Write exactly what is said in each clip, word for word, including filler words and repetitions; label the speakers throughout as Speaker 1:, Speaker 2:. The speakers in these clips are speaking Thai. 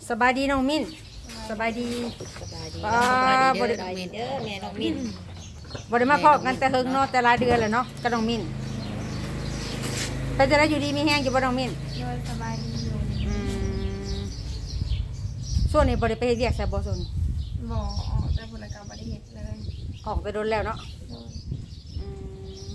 Speaker 1: สบายดีน้องมิ้นสบายดี
Speaker 2: สบายดี
Speaker 1: ป้า
Speaker 2: สบายดี
Speaker 1: บ่
Speaker 2: เด้
Speaker 1: ได้
Speaker 2: อน้องมินเด้อแม่น้องมิน
Speaker 1: บ่ได้มาพบกันแต่เฮิงเนาะแต่หลายเดือนแล้วเนาะกับน้องมิ้นเป็นจะได้อยู่ดีมีแห้งอยู่บ่น้องมิ้น
Speaker 3: โดยสบายดีอยู่
Speaker 1: อืมส่วนนี้บ่ได้ไปเฮ็ดเวียกใส่บ่ส่วนนี้
Speaker 3: บ่ออกแต่ผลกรรมบริเหตุเลย
Speaker 1: ออกไปโดนแล้วเนาะ
Speaker 3: โดย
Speaker 1: อืม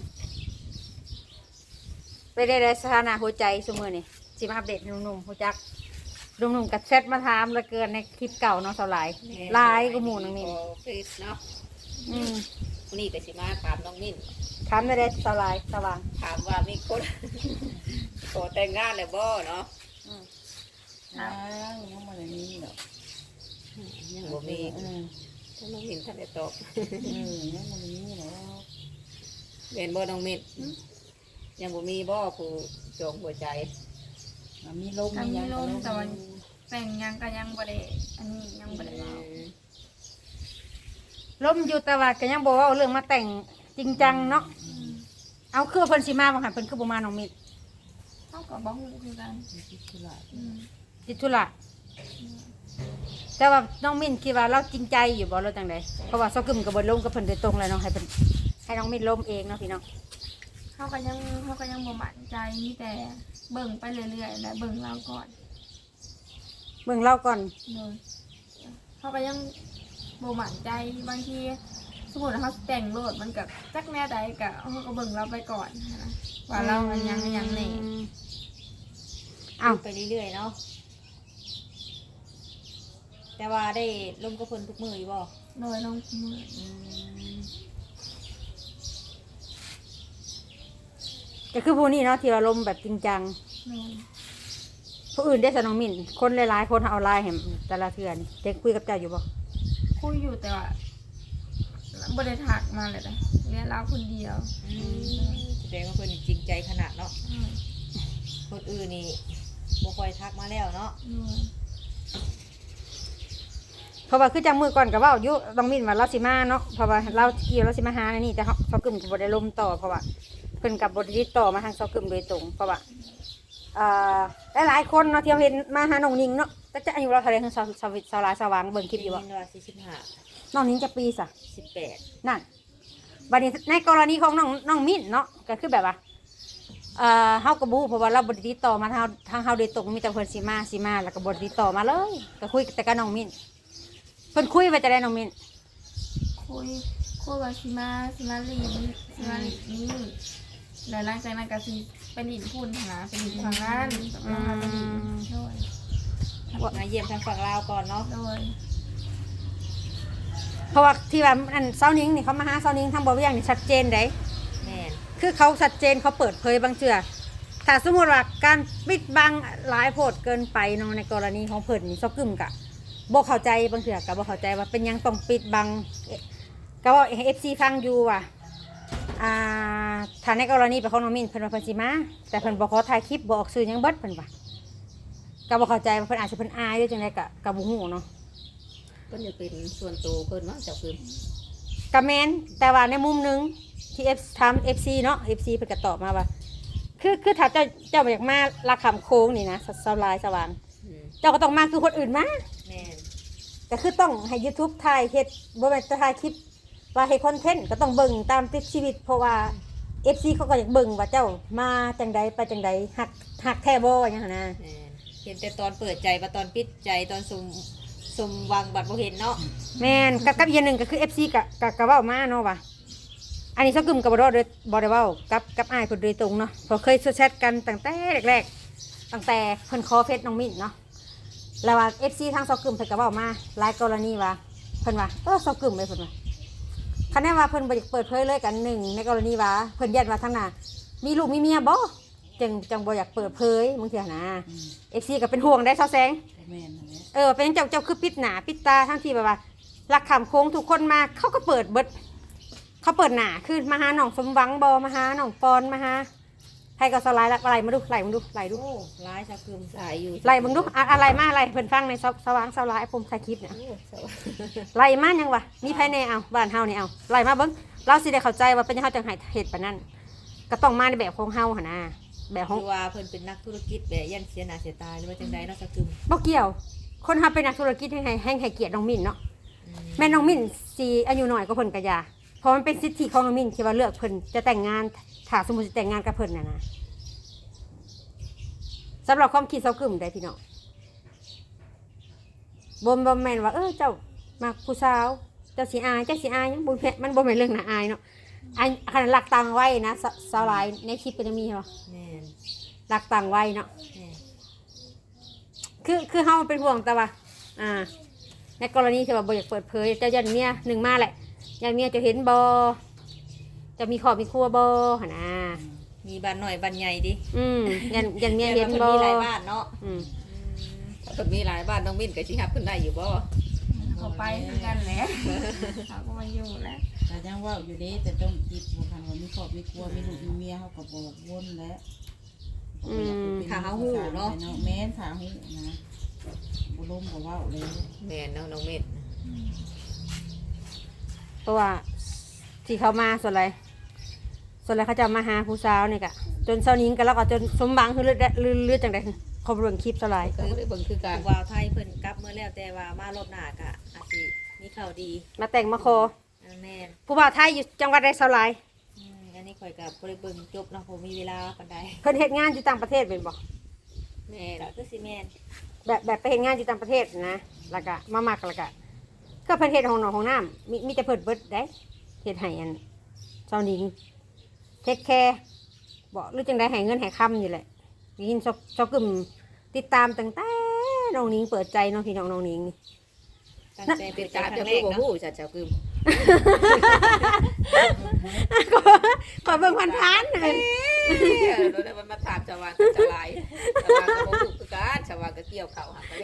Speaker 1: ไปได้ได้สถานะหัวใจซุมื้อนี่สิมาอัปเดตหนุ่มๆฮู้จักหนุ่มๆกับแชทมาถามเหลือเกินในคลิปเก่าเนาะเท่าหลายหลายก็หมู่น้องมิ้น
Speaker 2: โอ้เฟซเนาะ
Speaker 1: อืม
Speaker 2: วันนี้ก็สิมาถามน้องมิน
Speaker 1: ถามได้ได้เท่าหลายสว่าง
Speaker 2: ถามว่ามีคนขอแต่งงานแล้วบ่เนาะ
Speaker 1: อืม
Speaker 4: อ้าวยังบ่ได้มีดอก
Speaker 2: ยังบ่มี
Speaker 4: เออ
Speaker 2: ถ้าน้องมินท่านได้ตอบ
Speaker 4: เออยังบ่ได้มีดอก
Speaker 2: เป็นบ่น้องมินยังบ่มีบ่ผู้จองหัวใจ
Speaker 4: มันมีลม
Speaker 3: ก็
Speaker 4: มีห
Speaker 3: มี
Speaker 4: ยัง
Speaker 3: ล
Speaker 4: ก็
Speaker 3: ม
Speaker 4: ลม
Speaker 3: แต่ว่าแต่งยังก็ยังบ่ได้อันนี้ยังบ่ได้เว้า
Speaker 1: ล้มอยู่แต่ว่าก็ยังบอกว่าเอาเรื่องมาแต่งจริงจังเนาะ
Speaker 3: อืม
Speaker 1: เอาคือเพิ่นสิมาบ่หันเพิ่นคือบ่มาน้องมิตร
Speaker 3: เฮาก็บ่ฮู้คือกัน
Speaker 4: คิดธุระ
Speaker 3: อืม
Speaker 1: ติดธุระแต่ว่าน้องมิ้นคิดว่าเราจริงใจอยู่บ่เราจังไดเพราะว่าเซากึมก็บ่ลงกับเพิ่นโดยตรงเลยเนาะให้เพิ่นให้น้องมิ้นล้มเองเนาะพี่น้อง
Speaker 3: เฮาก็ยังเฮาก็ยังบ่มั่นใจมีแต่เบิ่งไปเรื่อยๆและเบิ่งเราก่อน
Speaker 1: เบิ่งเราก่อน
Speaker 3: โดยเฮาก็ยังบ่มั่นใจบางทีสมมุติว่าเฮาแต่งโลดมันก็จักแน่ใดก็เฮาก็เบิ่งเราไปก่อนนะว่าเรามันยังยังแน่
Speaker 1: เอ้า
Speaker 2: ไปเรื่อยๆเนาะแต่ว่าได้ลมกับเพิ่นทุกมื้ออยู่บ่
Speaker 3: โดยน้องมือ
Speaker 2: อืม
Speaker 1: ก็คือผู้นี้เนาะที่ว่าล้มแบบจริงจัง
Speaker 3: โดย
Speaker 1: ผู้อื่นได้ซะน้องมิ้นคนหลายๆคนเอาไลน์ให้แต่ละเทื่อนี่ได้คุยกับเจ้าอยู่บ่
Speaker 3: คุยอยู่แต่ว่าบริถักมาเลยนะเรียนเราคนเดียว
Speaker 2: อืมแสดงว่าเพิ่นจริงใจขนาดเนาะ
Speaker 3: อืม
Speaker 2: คนอื่นนี่บ่ค่อยทักมาแล้วเนาะ
Speaker 3: อืม
Speaker 1: เพราะว่าคือจังมือก่อนก็เว้าอยู่น้องมิ้นว่าเราสิมาเนาะเพราะว่าเราเกี่ยวเราสิมาหาในนี่แต่เฮาเซากึมก็บ่ได้ล้มต่อเพราะว่าเพิ่นก็บ่ได้ติดต่อมาทางเซากึมโดยตรงเพราะว่า อ่าหลายๆคนเนาะที่เราเห็นมาหาน้องนิงเนาะแต่จะอายุเราเท่าไหรคือสาวสาวสาวหลายสว่างเบิ่งคลิปอยู่บ่
Speaker 2: ได้นว่าสี่สิบห้า
Speaker 1: น้องนิงจะปีสะ
Speaker 2: สิบแปด
Speaker 1: นั่นบัดนี้ในกรณีของน้องน้องมิ้นเนาะก็คือแบบว่าเอ่อเฮาก็บ่ฮู้เพราะว่าเราบ่ได้ติดต่อมาทางทางเฮาโดยตรงมีแต่เพิ่นสิมาสิมาแล้วก็บ่ได้ติดต่อมาเลยก็คุยแต่กับน้องมิ้นเพิ่นคุยว่าจะได้น้องมิ้น
Speaker 3: คุยคุยว่าสิมาสิมาลีนสิมาลีนนี่แล้วหลังจากนั้นก็สิไปลีนพูนหาไปลีนทางนั้นแล้วมาไปลีนโดย
Speaker 2: มาเยี่ยมทางฝั่งลาวก่อนเนาะ
Speaker 3: โดย
Speaker 1: เพราะว่าที่ว่าอันเซานิงนี่เขามาหาเซานิงทางบ่เวียงนี่ชัดเจนเด้
Speaker 2: แม่น
Speaker 1: คือเขาชัดเจนเขาเปิดเผยบางเชื่อถ้าสมมติว่าการปิดบังหลายโพดเกินไปเนาะในกรณีของเพิ่นนี่ซอกกึมกะบ่เข้าใจบางเชื่อก็บ่เข้าใจว่าเป็นหยังต้องปิดบังเอ๊ะก็ว่าเอฟซีฟังอยู่ว่าอ่าถ้าในกรณีเป็นของน้องมินเพิ่นว่าเพิ่นสิมาแต่เพิ่นบ่ขอถ่ายคลิปบ่ออกสื่อหยังเบิดเพิ่นว่าก็บ่เข้าใจว่าเพิ่นอาจสิเพิ่นอายหรือจังไดก็ก็บ่ฮู้เนาะ
Speaker 2: เพิ่นจะเป็นส่วนตัวเพิ่นเนาะเจ้าคือ
Speaker 1: ก็แม่นแต่ว่าในมุมหนึงที่ F ถาม เอฟ ซี เนาะ เอฟ ซี เพิ่นก็ตอบมาว่า คือคือถ้าเจ้าเจ้าบ่อยากมาลักคำโค้งนี่นะสสลายสว่าง
Speaker 2: อืม
Speaker 1: เจ้าก็ต้องมาคือคนอื่นมา
Speaker 2: แม่น
Speaker 1: ก็คือต้องให้ YouTube ถ่ายเฮ็ดบ่แม่นจะถ่ายคลิปว่าเฮ็ดคอนเทนต์ก็ต้องเบิ่งตามติดชีวิต เพราะว่า เอฟ ซี เขาก็อยากเบิ่งว่าเจ้ามาจังใดไปจังใดฮักฮักแท้บ่ว่าหยังหันนะ
Speaker 2: แม่นเห็นแต่ตอนเปิดใจมาตอนปิดใจตอนสมสมหวังบัดบ่เห็นเนาะ
Speaker 1: แม่นกับกับอีกอย่างหนึงก็คือ เอฟ ซี ก็ก็ก็เว้ามาเนาะว่าอันนี้ซะกึมก็บ่ได้บ่ได้เว้ากับกับอ้ายเพิ่นโดยตรงเนาะเพราะเคยแชทกันตั้งแต่แรกๆตั้งแต่เพิ่นขอเฟซน้องมิ้นเนาะ แล้วว่า เอฟ ซี ทางซอกกึมเพิ่นก็เว้ามาหลายกรณีว่าเพิ่นว่าเออซอกกึมเลยเพิ่นว่าคันแน่ว่าเพิ่นบ่อยากเปิดเผยเลยกันหนึ่งในกรณีว่าเพิ่นยันว่าทางหน้ามีลูกมีเมียบ่จังจังบ่อยากเปิดเผยบางเทื่อนะ เอฟ ซี ก็เป็นห่วงได้เซาแซง
Speaker 4: แม่นนั่นแหละ
Speaker 1: เออเป็นเจ้าเจ้าคือปิดหน้าปิดตาทั้งที่แบบว่ารักคำโค้งทุกคนมาเขาก็เปิดเบิดเขาเปิดหน้าคือมาหาน้องสมหวังบ่มาหาน้องปอนมาหาให้ก็สไลด์ละไล่มาดูไล่มาดูไล่ดู
Speaker 2: โอ้ร้ายเจ้าคือหลายอยู่
Speaker 1: ไล่มึงดูอะอะไรมาอะไรเพิ่นฟังในสว่างสลายผมถ่ายคลิปเนี่ย
Speaker 2: โอ้สวัสดี
Speaker 1: ไล่มายังวะมีภายในเอาบ้านเฮานี่เอาไล่มาเบิ้งเราสิได้เข้าใจว่าเป็นยังเฮาจังไห้เหตุปานนั้นก็ต้องมาในแบบของเฮาหั่นนะแบบของ
Speaker 2: คือว่าเพิ่นเป็นนักธุรกิจแบบยันเสียหน้าเสียตาหรือว่าจังใดเนาะเจ้าคือ
Speaker 1: บ่เกี่ยว คคนเฮาเป็นนักธุรกิจให้ให้ให้ให้เกียรติน้องมิ้นเนาะแม่น้องมิ้นสิอายุน้อยกว่าเพิ่นก็อย่าเพราะมันเป็นสิทธิของน้องมิ้นที่ว่าเลือกเพิ่นจะแต่งงานถ้าสมมุติจะแต่งงานกับเพิ่นน่ะนะสำหรับความคิดเซากึ่มได้พี่น้องบ่บ่แม่นว่าเออเจ้ามักผู้สาวเจ้าสิอายเจ้าสิอายหยังบ่แม่นมันบ่แม่นเรื่องน่าอายเนาะอันขนาดหลักตังไว้นะสสาวหลายในคลิปก็จะมีเหรอ
Speaker 2: แม่น
Speaker 1: หลักตังไว้เนาะ
Speaker 2: แม่น
Speaker 1: คือคือเฮาเป็นห่วงแต่ว่าอ่าในกรณีที่ว่าบ่อยากเปิดเผยเจ้ายันเมียหนึ่งมาแหละยันเมียจะเห็นบ่จะมีครอบมีครัวบ่หั่นน่ะ
Speaker 2: มีบ้านหน่อยบ้านใหญ่ดิ
Speaker 1: อืมยันยันเมียเห็น
Speaker 2: พิ่
Speaker 1: บ่
Speaker 2: มีหลายบ้านเนาะ
Speaker 1: อืม
Speaker 2: ถ้าเพิ่นมีหลายบ้านน้องมิ้นก็สิรับเพิ่นได้อยู่บ่
Speaker 3: เขาไปคือกันแหละเขาก็มาอยู่แล้ว
Speaker 4: แต่ยังว่าอยู่เด้แต่ต้องคิดบ่คันว่ามีครอบมีครัวมีลูกมีเมียเฮาก็บอกวนแล้วขาหูเนาะแม่นขาหูนะบ่ล้มบ่เว้าเลย
Speaker 2: แม่นเนาะน้องมิ้น
Speaker 1: เพราะว่าที่เขามาส่วนไรส่วนไรเขาจะมาหาผู้สาวนี่กะจนเช้านี้กันแล้วก็จนสมบังคือเลือดเลือดเลือดจังไดเขาเบิ่งคลิปส่วนไร
Speaker 2: ก็ได้เบิ่งคือการวาวไทยเพิ่นกลับเมื่อแล้วแต่ว่ามารอบหน้าก็อาจสิมีข่าวดี
Speaker 1: มาแต่งมาคอ
Speaker 2: อ่าแม่น
Speaker 1: ผู้บ่าวไทยอยู่จังหวัดใดเช้าไร
Speaker 2: อืมอันนี้ข่อยก็บ่ได้เบิ่งจบเนาะผมมีเวลาปานใด
Speaker 1: เพิ่นเฮ็ดงานอยู่ต่างประเทศเป็นบ่
Speaker 2: แม่นก็คือสิแม่น
Speaker 1: แบบแบบไปเฮ็ดงานอยู่ต่างประเทศนะแล้วก็มามักแล้วก็ก็เพิ่นเฮ็ดห้องนอนห้องน้ำมีมีแต่เพิ่นเบิดได้เฮ็ดให้อันเจ้าหนิงเทคแคร์บ่หรือจังไดให้เงินให้คำอยู่แหละได้ยินซอกซอกกึ่มติดตามตั้งแต่น้องหนิงเปิดใจเนาะพี่น้องน้องหนิงนี่
Speaker 2: ตั้งใจเป็นการครั้งแรกเนาะ
Speaker 5: จัดเจ้ากึม
Speaker 1: ขอเบิ่งพันพันๆหน่อย
Speaker 5: เราได้มาถามชาวบ้านชาวไร่ชาวบ้านก็บ่ฮู้คือกันชาวบ้านก็เกี่ยวข้าวหาไปเลย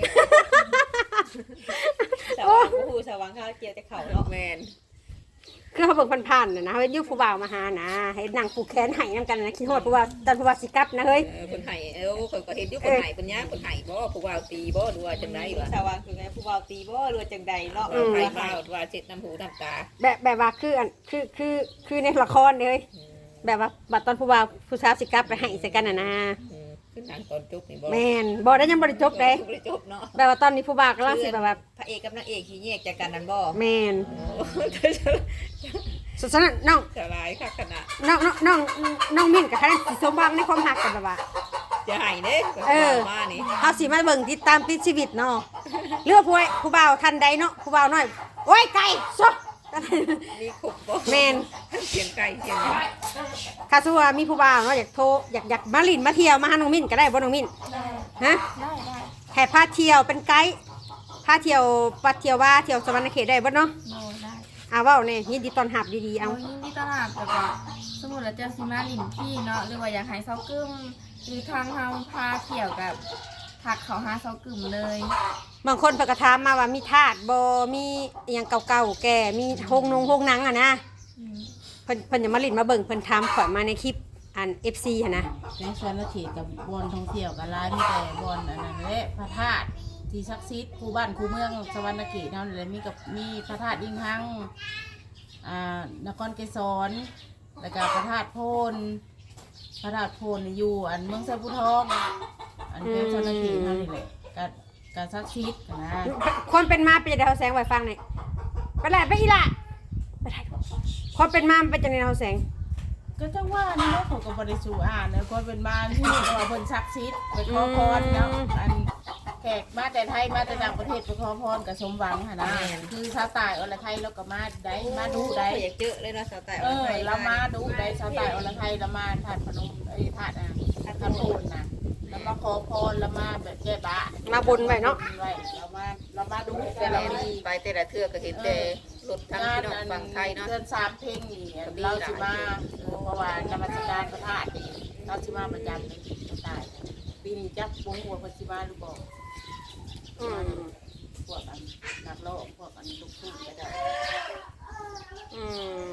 Speaker 2: สว่างบ่ฮู้สว่างข้าวเกี่ยวแต่เขาเนาะ
Speaker 5: แม่น
Speaker 1: คือเขาเบิ่งพันพันๆน่ะนะเฮ็ดอยู่ผู้บ่าวมาหานะเฮ็ดหนังผูกแขนให้นำกันนะคิดฮอดผู้ว่าตอนผู้ว่าสิกลับนะเฮ้ย
Speaker 5: เออคนไห้เออคนก็เห็นอยู่คนไห้คนย่างคนไห้บ่ผู้ว่าตีบ่หรือว่าจังไดวะ
Speaker 2: สว่างคือไงผู้เว้าตีบ่หรือว่าจังใดเนาะ
Speaker 5: เออไห้มาว่าเช็ดน้ำหูน้ำตา
Speaker 1: แบบแบบว่าคืออันคือคือคือในละครเลยแบบว่าบัดตอนผู้บ่าวผู้สาวสิกลับไปให้ใส่กันน่ะนะ
Speaker 5: อืมคือหนังตอนจบนี่บ่
Speaker 1: แม่นบ่ได้ยังบ่ได้จบเด้
Speaker 5: บ่ได้จบเนาะ
Speaker 1: แบบว่าตอนนี้ผู้บ่าวกำลังสิแบบว่า
Speaker 2: พระเอกกับนางเอกขี้แยกจากกันนั่นบ่
Speaker 1: แม่น
Speaker 5: โอ้
Speaker 1: สุดสนั่นน้อง
Speaker 5: จะลายคักขนาด
Speaker 1: น้องน้องน้องน้องมิ้นกับคะแนนสิสมบังในความหักกันแบบว่า
Speaker 5: จะไห้เด้
Speaker 1: เออ
Speaker 5: มานี่
Speaker 1: เขาสิมาเบิ่งติดตามติดชีวิตเนาะเลือกผู้ไว้ผู้บ่าวทันใดเนาะผู้บ่าวน้อยโอ้ยไก่ซะ
Speaker 5: มีขุบบ่
Speaker 1: แม่น
Speaker 5: เสียงไก่เสียงหยัง
Speaker 1: ถ้าสมมุติว่ามีผู้บ่าวเนาะอยากโทรอยากอยากมาลินมาเที่ยวมาหาน้องมิ้นก็ได้บ่น้องมิ้นฮะ
Speaker 3: ได้ได้
Speaker 1: แห่พาเที่ยวเป็นไกด์พาเที่ยวปัดเที่ยวว่าเที่ยวสวรรค์เขตได้บ่เนาะ
Speaker 3: โดได้
Speaker 1: อ่าเว้าแน่ยินดีต้อนรับดีๆ
Speaker 3: เอา
Speaker 1: เอา
Speaker 3: ยินดีต้อนรับแต่ว่าสมมุติเราเจอซิมาลินพี่เนาะหรือว่าอยากให้เซากึมหรือทางเฮาพาเที่ยวกับทักเขาหาเซากึมเลย
Speaker 1: บางคนเพิ่นก็ถามมาว่ามีทาสบ่มีอหยังเก่าๆแก่มีโรงนงโรงหนังอ่ะนะ
Speaker 3: อืม
Speaker 1: เพิ่นเพิ่นจะมาลินมาเบิ่งเพิ่นถามข่อยมาในคลิปอัน เอฟ ซี หั่นนะ
Speaker 4: ในสวนเขตกับบอนท่องเที่ยวกับร้านมีแต่บอนอันนั้นแหละพระธาตุที่ศักดิ์สิทธิ์คู่บ้านคู่เมืองสวรรณเขตเท่านั้นแหละมีกับมีพระธาตุยิ่งหังอ่านครเกษรแล้วก็พระธาตุโพนพระธาตุโพนนี่อยู่อันเมืองไซบุทองอันเป็นสวรรณเขตเท่านี้แหละกับกับศักดิ์สิทธิ์นะ
Speaker 1: คนเป็นมาเป็นจังได๋เฮาแสงไว้ฟังหน่อยไปแหละไปอีหล่ะไปถ่ายรูปคนเป็นมามันเป็นจังได๋เฮาแสง
Speaker 4: ก็จังว่านี่เนาะเขาก็บ่ได้สู่อ่านนะคนเป็นบ้านที่ว่าเพิ่นศักดิ์สิทธิ์ไปขอพรเนาะอันแขกมาแต่ไทยมาแต่ต่างประเทศไปขอพรกับสมหวังหั่นนะคือชาวใต้อรไทยแล้วก็มาได้มาดูได้
Speaker 2: อยากเจอเลยเนาะสาวแต่
Speaker 4: เออเรามาดูได้ชาวใต้อรไทยเรามาถาดพนมไอ้ถาดอ่ะถาดพนมนะเรามาขอพรเรามาแบบแก้บะ
Speaker 1: มาบนไว้เนาะ
Speaker 4: ไว้เรามาเรามาดูแต่เรามี
Speaker 5: ไปแต่ละเทื่อก็เห็นแต่รถทั้ง
Speaker 4: งาน
Speaker 5: พี่น้องฝั่งไทยเนาะ
Speaker 4: เดือนสามเพลงนี่เราสิมาเพราะว่านมัสการพระธาตุนี่เราสิมาประจำในที่ใต้ปีนี้จักปุ้งหัวเพิ่นสิมาหรือบ่
Speaker 1: อืม
Speaker 4: พวกอันนักโลกพวกอันลูกทุ่งก็ได้
Speaker 1: อืม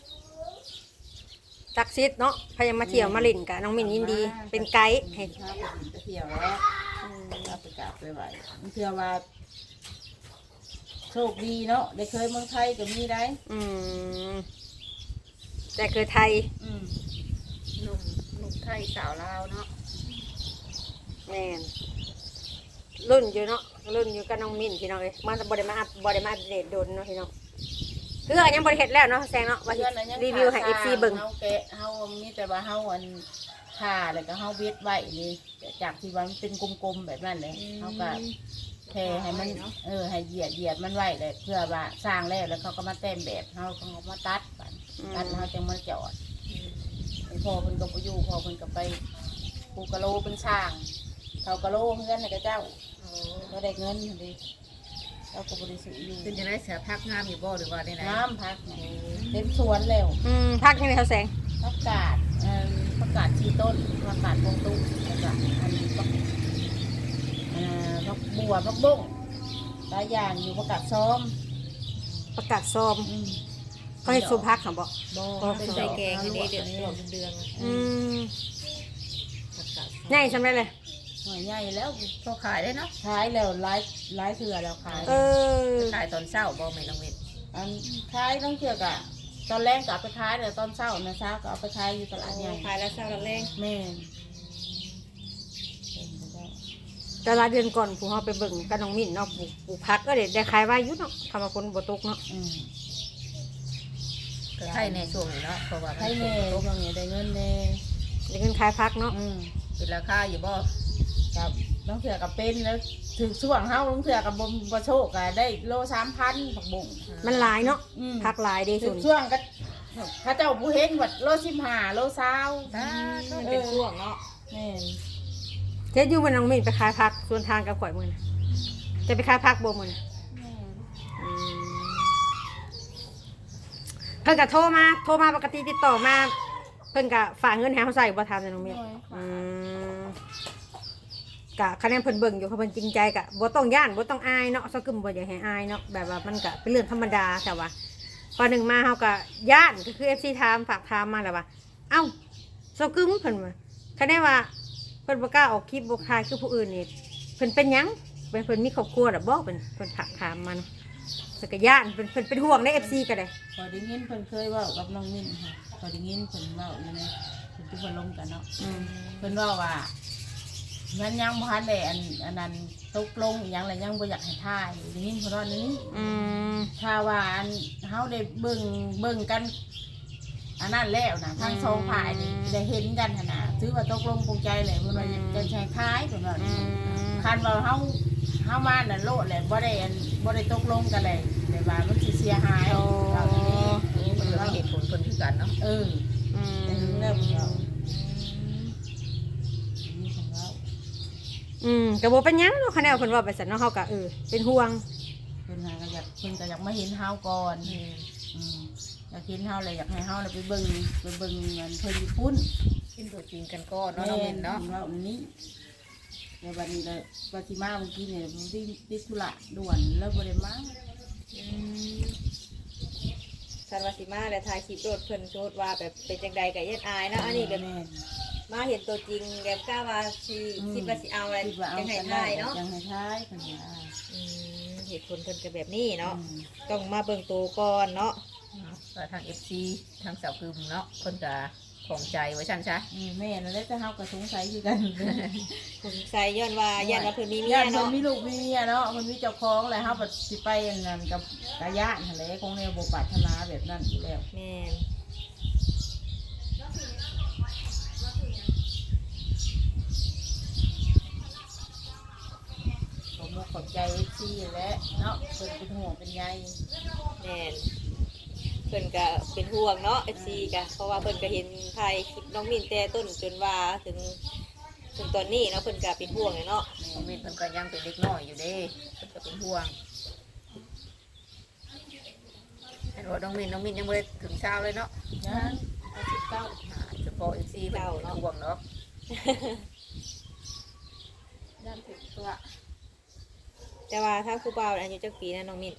Speaker 1: ศักดิ์สิทธิ์เนาะพยายามมาเที่ยวมาลินกับน้องมิ้นยินดี เป็นไกด์ให้
Speaker 4: ถ้าไปไปเที่ยวแล้วถ้าไปกราบไปไหว้มันเชื่อว่าโชคดีเนาะได้เคยเมืองไทยก็มีได้
Speaker 1: อืมแต่คือไทย
Speaker 4: อืม
Speaker 5: หนุ่มหนุ่มไทยสาวลาวเนาะ
Speaker 1: แม่นรุ่นอยู่เนาะรุ่นอยู่กับน้องมิ้นพี่น้องเอ้ยมันบ่ได้มาอัพบ่ได้มาอัปเดตโดนเนาะพี่น้องคืออันยังบ่ได้เฮ็ดแล้วเนาะแซงเนาะว่าสิ
Speaker 4: เพื่อนอันยัง
Speaker 1: รีวิวให้ เอฟ ซี เบิ่ง
Speaker 4: เฮาแกะเฮามีแต่ว่าเฮาอันผ่าแล้วก็เฮาเวทไว้นี่จากที่ว่ามันเป็นกลมๆแบบนั้นเลยเฮาก็แค่ให้มันเออให้เหยียดเหยียดมันไว้เลยเพื่อว่าสร้างแล้วแล้วเขาก็มาแต่งแบบเฮาก็เอามาตัดบัดตัดแล้วเฮาจังมาจอดไอ้พ่อเพิ่นก็บ่อยู่พ่อเพิ่นก็ไปปูกะโลเป็นช่างเขากะโลเพื่อนให้กับเจ้าก็ได้เงินหั่นดิเราก็บ่ได้ซื้ออยู่
Speaker 2: เป็นจังได๋เสือพักงามอยู่บ่หรือว่าได้ไหน
Speaker 4: น้ำพักเต็มสวนแล้ว
Speaker 1: อืมพักยังไงเขาแสง
Speaker 4: ผักกาดเอ่อผักกาดชีต้นผักกาดพวงตุ้งแล้วก็อันนี้ผักเอ่อผักบัวผักบุ้งหลายอย่างอยู่ผักกาดซ้อม
Speaker 1: ประกาศซ้อม
Speaker 4: อืม
Speaker 1: เขาให้สุพักเขาบอก
Speaker 4: โบ
Speaker 2: เป็นใส่แกงอันนี้เดือดหลเดือง
Speaker 1: อืม
Speaker 2: ผักกาด
Speaker 1: ง่ายสำเร็จเลย
Speaker 4: หน่อยใหญ่แล้ว
Speaker 2: พอขายได้เนาะ
Speaker 4: ขายแล้วหลายหลายเถื่อแล้วขาย
Speaker 1: เออ
Speaker 2: ขายตอนเช้าบ่แม่น้องเม็ด
Speaker 4: อันขายต้องเถื่อกอะตอนแรกก็เอาไปขายแต่ตอนเช้านะเช้าก็เอาไปขายอยู่ตลาดใหญ่
Speaker 2: ขายแล้วเช้าแล้วแรง
Speaker 4: แม่น
Speaker 1: แต่ละเดือนก่อนผู้เขาไปเบิ่งกับน้องมิ้นเนาะปลูกปลูกพักก็เด็ดได้ขายไว้อยุ่เนาะคำว่าคนบ่ตกเนาะ
Speaker 4: อืม
Speaker 2: ก็ใช่ในช่วงนี้เนาะเพราะว่า
Speaker 4: ให้แม่ตรงนี้ได้เงินแน่
Speaker 1: ได้เงินขายพักเนาะ
Speaker 4: อืม
Speaker 2: เป็นราคาอยู่บ่
Speaker 4: กับน้องเถื่อกับเป็นแล้วถึงช่วงเฮาน้องเถื่อกับบมบโชคก็ได้โลสามพันผักบุ้ง
Speaker 1: มันหลายเนาะ
Speaker 4: อืม
Speaker 1: พักหลายเด้
Speaker 4: ถึ
Speaker 1: สุ
Speaker 4: ง
Speaker 1: น
Speaker 4: ช่วงก็เข้าเจ้าผู้เห็นวัดโลสิบห้าโลสาว
Speaker 2: ถ้าเป็นช่วงเนาะ
Speaker 4: แม่น
Speaker 1: เจ๊อยู่มันน้องมิ้นไปขายพักส่วนทางกับข่อยมือนะจะไปขายพักบ่มือนะอืมเพิ่นก็โทรมาโทรมาปกติติดต่อมา เพิ่นก็ฝากเงินให้เขาใส่บ่ทำในน้องมิ้นอืมกะคะแนนเพิ่นเบิ่งอยู่เขาเพิ่นจริงใจกะบ่ต้องย่านบ่ต้องอายเนาะซอกึมบ่อยากให้อายเนาะแบบว่ามันก็เป็นเรื่องธรรมดาแต่ว่าพอหนึ่งมาเฮาก็ย่านก็คือ เอฟ ซี ถามฝากถามมาแล้วว่าเอ้าซอกึมเพิ่นว่าคะแนนว่าเพิ่นบ่กล้าออกคลิปบ่คายคือผู้อื่นนี่เพิ่นเป็นหยังเพิ่นเพิ่นมีครอบครัวดอกบ่เพิ่นเพิ่นถามถามมันสกย่านเพิ่นเพิ่นเป็นห่วงใน เอฟ ซี ก็ได้
Speaker 4: พอได้ยินเพิ่นเคยเว่ากับน้องมิ้นค่ะพอได้ยินเพิ่นเว่าอยู่ในเพิ่นที่เพิ่นลงกันเนาะ
Speaker 1: อืม
Speaker 4: เพิ่นเว่าว่ามันยังบ่ทันได้อันอันนั้นตกลงอีหยังแล้วยังบ่อยากให้ทายได้ยินเพิ่นว่านี้
Speaker 1: อืม
Speaker 4: ถ้าว่าอันเฮาได้เบิ่งเบิ่งกันอันนั้นแล้วนะทั้งสองฝ่ายนี่ได้เห็นกันหั่นน่ะถือว่าตกลงปลงใจเลยเพิ่นว่าจะใช้คล้ายเพิ่นว่า
Speaker 1: อืม
Speaker 4: คันว่าเฮาเฮามาน่ะโลดแหละบ่ได้อันบ่ได้ตกลงกันเลยแต่ว่ามันสิเสียหายเอาอย่างนี้
Speaker 2: นี่มันก็มีเหตุผลเพิ่นคือกันเนาะ
Speaker 4: เออ
Speaker 1: อื
Speaker 4: แต่ถึงแล้วเพิ่นว่านี่เพิ่นว่า
Speaker 1: อืมก็บ่เป็นหยังเนาะคะแนนเพิ่นว่าไปซั่นเนาะเฮาก็เออเป็นห่วง
Speaker 4: เพิ่นหาก็อยากเพิ่นก็อยากมาเห็นเฮาก่อนอืมอยากเห็นเฮาเลยอยากให้เฮาน่ะไปเบิ่งไปเบิ่งเงินเพิ่นอยู่พุ่น
Speaker 2: กินตัวจริงกันก่อนเนาะน้องเม็ดเนาะ
Speaker 4: ว่าอันนี้ในวันนี้เลยปฏิมาเมื่อกี้เนี่ยผมติดติดธุระด่วนแล้วบริมา
Speaker 2: คันว่าสิมาแล้วถ่ายคลิปโดดเพิ่นโชดว่าแบบเป็นจังใดก็ยันอายเนาะอันนี้แบบ
Speaker 4: แม่น
Speaker 2: มาเห็นตัวจริงแบบกล้าว่าสิคิดว่าสิเอาอะไร
Speaker 4: คิดว่าเอา
Speaker 2: ยังไง
Speaker 4: กัน
Speaker 2: ได้เนาะ
Speaker 4: ยังให้ท้ายกันว่า
Speaker 2: อืมเหตุผลเพิ่นก็แบบนี้เนาะ
Speaker 4: อืม
Speaker 2: ต้องมาเบิ่งตัวก่อนเนาะก็ทาง เอฟ ซี ทางสาวกึมเนาะเพิ่นก็ของใจไว้ซั่นซะ
Speaker 4: อืมแม่นั่นแหละแต่เฮาก็สงสัยอยู่กัน
Speaker 2: สงสัยย้อนว่าญาติว่าเพิ่นมีเมี
Speaker 4: ญาย ติเพิ่น
Speaker 2: เนาะ
Speaker 4: มีลูกมีเมียเนาะเพิ่นมีเจ้าของแล้วเฮาก็สิไปอันนั้นกับกะยะนั่นแหละคงแนวบ่ปรารถนาแบบนั้นอยู่แล้ว
Speaker 2: แม่น
Speaker 4: ผมก็ขอบใจ เอฟ ซี แหละเนาะเพิ่นเป็นห่วงเป็นใย
Speaker 2: แม่นเพิ่นก็เป็นห่วงเนาะ เอฟ ซี ก็เพราะว่าเพิ่นก็เห็นถ่ายคลิปน้องมินแต่ต้นจนว่าถึงถึงตอนนี้เนาะเพิ่นก็เป็นห่วงเลยเนาะน้องมินเพิ่นก็ยังเป็นเด็กน้อยอยู่เด้เพิ่นก็เป็นห่วงเห็นว่าน้องมินน้องมินยังบ่ได้ถึงเช้าเลยเนาะ
Speaker 4: นะเอาสิบเก้า
Speaker 2: อ่าเฉพาะ เอฟ ซี เพิ่นเป็นห่วงเนาะ
Speaker 4: ด้านถึงตัว
Speaker 2: แต่ว่าถ้าครูเบาอายุจักปีนะน้องมิน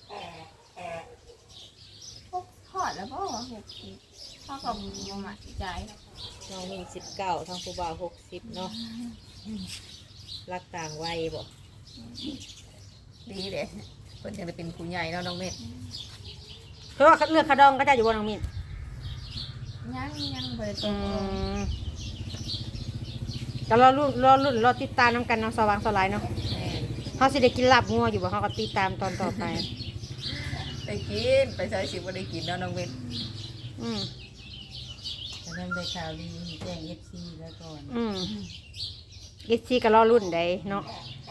Speaker 3: พวกทอดแล้วก็หกสิบข้าวกับหมูหมักใจ
Speaker 2: น้องมินสิบเก้าทางครูเบาหกสิบเนาะรักต่างวัยบ่ดีเลยเพิ่นจะได้เป็นผู้ใหญ่เนาะน้องมิน
Speaker 1: เพราะว่าเลือกคาดองก็จะอยู่บนน้องมิ้น
Speaker 3: ยังยังบริต
Speaker 1: อื
Speaker 3: รง
Speaker 1: มแต่รอรุ่นรอรุ่นรอติดตามน้ำกันเนาะสว่างสลายเนาะ
Speaker 2: แม่น
Speaker 1: เฮาสิได้กินลาบงัวอยู่บ่เฮาก็ติดตามตอนต่อไป
Speaker 5: ได้กินไปใช้สิบ่ได้กินเนาะน้องเม็ด
Speaker 1: อืม
Speaker 4: จะนำได้ข่าวดีแจ้ง เอฟ ซี แล้วก่อน
Speaker 1: อืมเอฟซีก็รอรุ่นได้เนาะ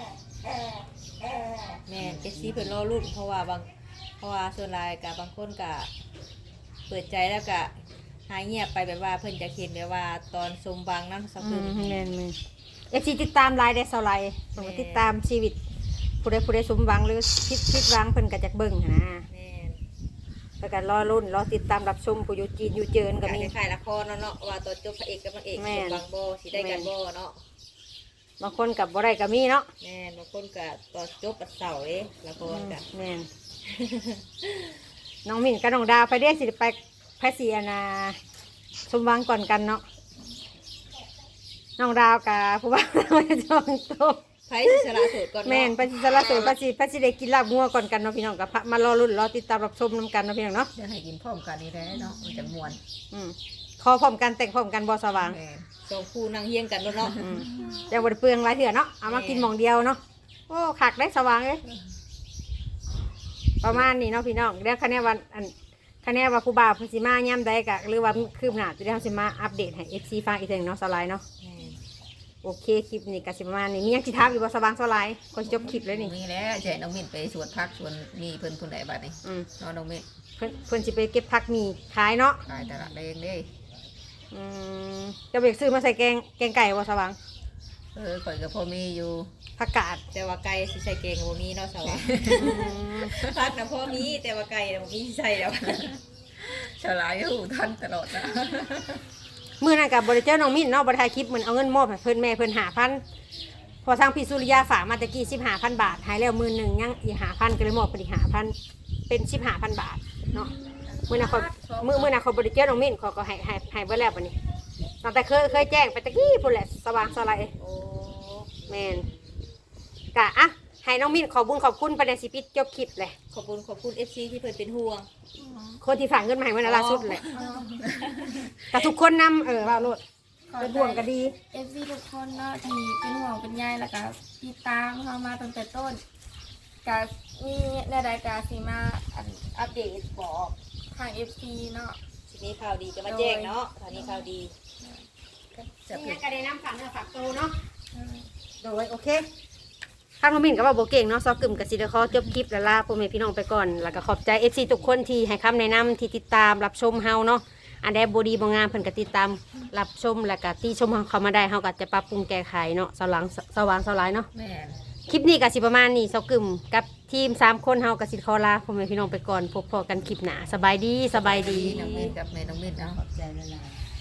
Speaker 2: แม่นเอฟซีเพิ่นรอรุ่นเพราะว่าบางเพราะว่าส่วนหลายกับบางคนก็เปิดใจแล้วก็หายเงียบไปแบบว่าเพิ่นจะเห็นแบบว่าตอนสมบังนั้นสัก
Speaker 1: อื
Speaker 2: คืน
Speaker 1: มแม่นมื้อเอฟซีติดตามไลน์ได้เท่าไหร่เพิ่นก็ติดตามชีวิตผู้ใดผู้ใดสมหวังหรือผิดผิดหวังเพิ่นก็จักเบิ่งหั้นนะ
Speaker 2: แม่น
Speaker 1: แล้วก็รอรุ่นรอติดตามรับชมผู้อยู่จีนอยู่เจินก็
Speaker 2: ก็
Speaker 1: มี
Speaker 2: มีขายละครเนาะเนาะว่าตอนจบพระเอกกับนางเอก
Speaker 1: แม่
Speaker 2: ส
Speaker 1: น
Speaker 2: มบังบ่สิได้กันบ่เนาะ
Speaker 1: บางคนกับบ่ได้ก็มีเนาะ
Speaker 2: แม่นบางคนก็ตอนจบปัดเสาร์เด้ละครก็
Speaker 1: แม่น น้องมิ่นกับน้องดาวไปเด้สิไปพระศรีอนาสมหวังก่อนกันเนาะน้องดาวกับผู้บ่าวเราจะจองโตะ
Speaker 2: ไผสิสละโสดก่อน
Speaker 1: แม่น
Speaker 2: เนาะ
Speaker 1: พระศรีสารโสดพระศรีพระศรีได้กินลาบงัวก่อนกันเนาะพี่น้องกับมารอรุ่นรอติดตามรับชมนํกันเนาะพี่น้องเนาะ
Speaker 5: จะให้กินพร้อมกันนี่แหละเนาะมันจะม่วน
Speaker 1: อืมขอพร้อมกันแต่งพร้อมกันบ่สว่าง
Speaker 5: แม่น
Speaker 2: สองคู่นั่งเฮียงกันเนาะเนาะ
Speaker 1: อืมแต่บ่ได้เปลืองหลายเถื่อเนาะเอามากินหม่องเดียวเนาะโอ้คักได้สว่างเอ้ยประมาณนี้เนาะพี่น้องเดี๋ยวคะแนนวันอันคะแนนว่าผู้บ่าวเพิ่นสิมาย่ำใดกะหรือว่าคืบหน้าจะได้เฮาสิมาอัปเดตให้ เอฟ ซี ฟังอีกเทื่อหนึงเนาะสไลด์เนาะ
Speaker 2: แม่น
Speaker 1: โอเคคลิปนี้ก็สิประมาณนี้มีหยังสิถามอีกบ่สว่างสไลด์ก็สิจบคลิปเลยนี่
Speaker 5: มีแล้วจะให้น้องเม็ดไปสวนพักสวนมีเพิ่นผู้ใดบัดนี้
Speaker 1: อืม
Speaker 5: เนาะน้องเม็ด
Speaker 1: เพิ่นเพิ่นสิไปเก็บผักหมี่ขายเนาะ
Speaker 5: ขายตลาดเองเด้
Speaker 1: อืมจะเบกซื้อมาใส่แกงแกงไก่บ่สว่าง
Speaker 5: เออข่อยก็พอมีอยู่
Speaker 1: ผักกาด
Speaker 2: แต่ว่าไก่สิใส่เกงบ่มีเนาะสาวะ
Speaker 1: อืม
Speaker 2: พักน่ะพอมีแต่ว่าไก่น่ะบ่มีใส่แล้ว
Speaker 5: ฉลาดอยู่ทันตลอดนะ
Speaker 1: มื้อนั้นก็บ่ได้เจอน้องมิ้นเนาะบ่ได้ถ่ายคลิปมื้อเอาเงินมอบให้เพิ่นแม่เพิ่นห้าพันพอทางพี่สุริยาฝากมาตะกี้สิบห้าพันบาทหายแล้วมื้อหนึงยังอีกห้าพันก็เลยมอบเพิ่นอีกห้าพันเป็นสิบห้าพันบาทเนาะมื้อนั้นเขามื้อมื้อนั้นเขาบ่ได้เจอน้องมิ้นเขาก็ให้ให้ให้เบิดแล้วบัดนี้ตั้งแต่เคยเคยแจ้งไปตะกี้พุ่นแหละสว่างสลาย
Speaker 2: โอ้
Speaker 1: แม่นกะอ่ะให้น้องมิ้นขอบุญขอบคุณไปในสิปิดจบคลิปเลย
Speaker 2: ขอบคุณขอบคุณ เอฟ ซี ที่เพิ่นเป็นห่วง
Speaker 1: คนที่ฝากเงินมาให้เมื่อล่าสุดเลยกับทุกคนนำเออว่าโลด
Speaker 3: ขอ
Speaker 1: เป็น
Speaker 3: ใจ
Speaker 1: ห่วงก็ดี
Speaker 3: เอฟซีทุกคนเนาะที่เป็นห่วงเป็นใยแล้วก็ติดตามเรามาตั้งแต่ต้นก็มีใดๆก็สิมาอันอัปเดตบอกทางเอฟซีเนาะ
Speaker 2: ทีนี้ข่าวดีจะมาแจ้งเนาะคราวนี้ข่าวดี
Speaker 5: จะ
Speaker 1: นี่
Speaker 5: เป็น
Speaker 1: ก็ได้นำฝากเนื้อฝากตัวเนาะโดยโอเคข้างน้องมิ้นก็ว่าโบเก่งเนาะซอกกึ่มกับซีเดคอจบคลิปแล้วลาพ่อแม่พี่น้องไปก่อนแล้วก็ขอบใจเอฟซีทุกคนที่ให้คำแนะนำที่ติดตามรับชมเฮาเนาะอันใดบดีบงามเพิ่นก็ติดตามรับชมแล้วก็ตีชมเฮาเข้ามาได้เฮาก็จะปรับปรุงแก้ไขเนาะสว่างสว่างสลายเนาะ
Speaker 5: แม่น
Speaker 1: คลิปนี้ก็สิประมาณนี้เซากึ่มกับทีมสามคนเฮากับสิขอลาพ่อแม่พี่น้องไปก่อนพบพอกันคลิปหน้าสบายดีสบายดี
Speaker 5: น้องเม็ดกับแม่น้องเม็ดเนาะ
Speaker 4: ขอบใจละลาย